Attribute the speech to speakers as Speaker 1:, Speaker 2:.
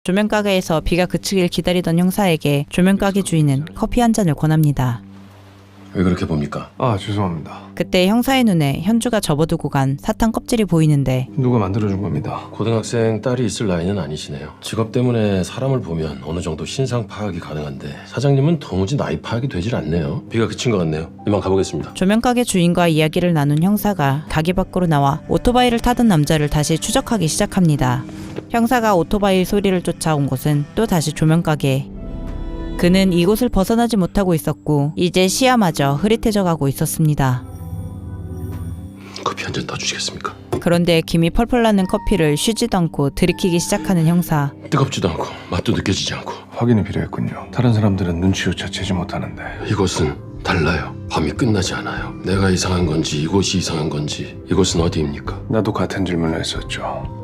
Speaker 1: 조명가게에서 비가 그치길 기다리던 형사에게 조명가게 주인은 커피 한 잔을 권합니다.
Speaker 2: 왜 그렇게 봅니까?
Speaker 3: 아, 죄송합니다.
Speaker 1: 그때 형사의 눈에 현주가 접어두고 간 사탕 껍질이 보이는데
Speaker 3: 누가 만들어준 겁니다.
Speaker 2: 고등학생 딸이 있을 나이는 아니시네요. 직업 때문에 사람을 보면 어느 정도 신상 파악이 가능한데 사장님은 도무지 나이 파악이 되질 않네요. 비가 그친 것 같네요. 이만 가보겠습니다.
Speaker 1: 조명가게 주인과 이야기를 나눈 형사가 가게 밖으로 나와 오토바이를 타던 남자를 다시 추적하기 시작합니다. 형사가 오토바이 소리를 쫓아온 곳은 또 다시 조명가게. 그는 이곳을 벗어나지 못하고 있었고 이제 시야마저 흐릿해져 가고 있었습니다.
Speaker 2: 커피 한 잔 더 주시겠습니까?
Speaker 1: 그런데 김이 펄펄 나는 커피를 쉬지도 않고 들이키기 시작하는 형사.
Speaker 2: 뜨겁지도 않고 맛도 느껴지지 않고.
Speaker 3: 확인이 필요했군요. 다른 사람들은 눈치조차 채지 못하는데.
Speaker 2: 이곳은 달라요. 밤이 끝나지 않아요. 내가 이상한 건지 이곳이 이상한 건지 이곳은 어디입니까?
Speaker 3: 나도 같은 질문을 했었죠.